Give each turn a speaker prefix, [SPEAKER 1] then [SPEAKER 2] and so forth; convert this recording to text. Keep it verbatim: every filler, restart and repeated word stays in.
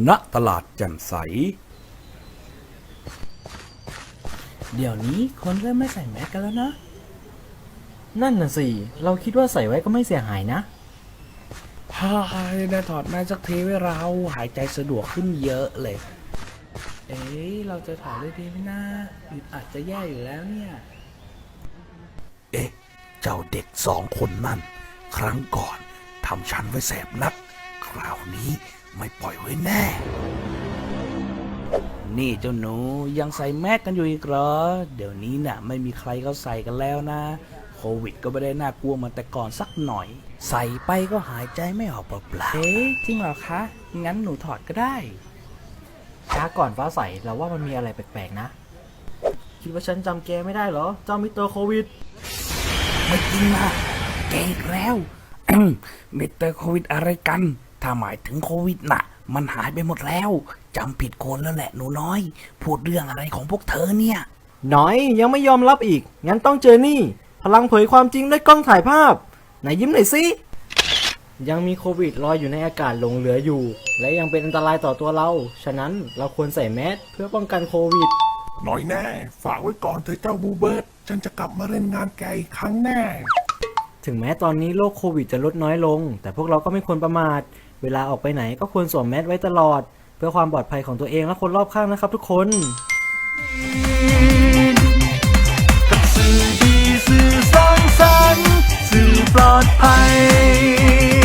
[SPEAKER 1] ณตลาดแจ่มใส
[SPEAKER 2] เดี๋ยวนี้คนเริ่มไม่ใส่แมสกันแล้วนะนั่นน่ะสิเราคิดว่าใส่ไว้ก็ไม่เสียหายนะ
[SPEAKER 1] ฮ่าได้ถอดแมสสักทีไว้เราหายใจสะดวกขึ้นเยอะเลยเอ๊ะเราจะถอดได้ดีไหมนะอาจจะแย่อยู่แล้วเนี่ยเอ๊ะเจ้าเด็กสองคนนั่นครั้งก่อนทำฉันไว้แสบนักคราวนี้ไม่ปล่อยไว้แน่นี่เจ้าหนูยังใส่แมสกันอยู่อีกเหรอเดี๋ยวนี้น่ะไม่มีใครเขาใส่กันแล้วนะโควิดก็ไม่ได้น่ากลัวเหมือนแต่ก่อนสักหน่อยใส่ไปก็หายใจไม่ออกเปล่าๆเอ๊ะจริงเหรอคะงั้นหนูถอดก็ได้
[SPEAKER 2] ช้าก่อนฟ้าใสเราว่ามันมีอะไรแปลกๆนะคิดว่าฉันจำแกไม่ได้เหรอเจ้ามิสเตอร์โควิด
[SPEAKER 1] ไม่จริงนะแกอีกแล้วมิสเตอร์โควิดอะไรกันถ้าหมายถึงโควิดน่ะมันหายไปหมดแล้วจำผิดคนแล้วแหละหนูน้อยพูดเรื่องอะไรของพวกเธอเนี่ย
[SPEAKER 2] น้อยยังไม่ยอมรับอีกงั้นต้องเจอนี่พลังเผยความจริงด้วยกล้องถ่ายภาพไหนยิ้มหน่อยสิยังมีโควิดลอยอยู่ในอากาศหลงเหลืออยู่และยังเป็นอันตรายต่อตัวเราฉะนั้นเราควรใส่แมสเพื่อป้องกันโควิด
[SPEAKER 3] หน่อยแน่ฝากไว้ก่อนเถอะเจ้าบูเบิร์ตฉันจะกลับมาเล่นงานแกอีกครั้งแน่
[SPEAKER 2] ถึงแม้ตอนนี้โรคโควิดจะลดน้อยลงแต่พวกเราก็ไม่ควรประมาทเวลาออกไปไหนก็ควรสวมแมสไว้ตลอดเพื่อความปลอดภัยของตัวเองและคนรอบข้างนะครับทุกคน
[SPEAKER 4] สื่อดีสื่อสร้างสรรค์สื่อปลอดภัย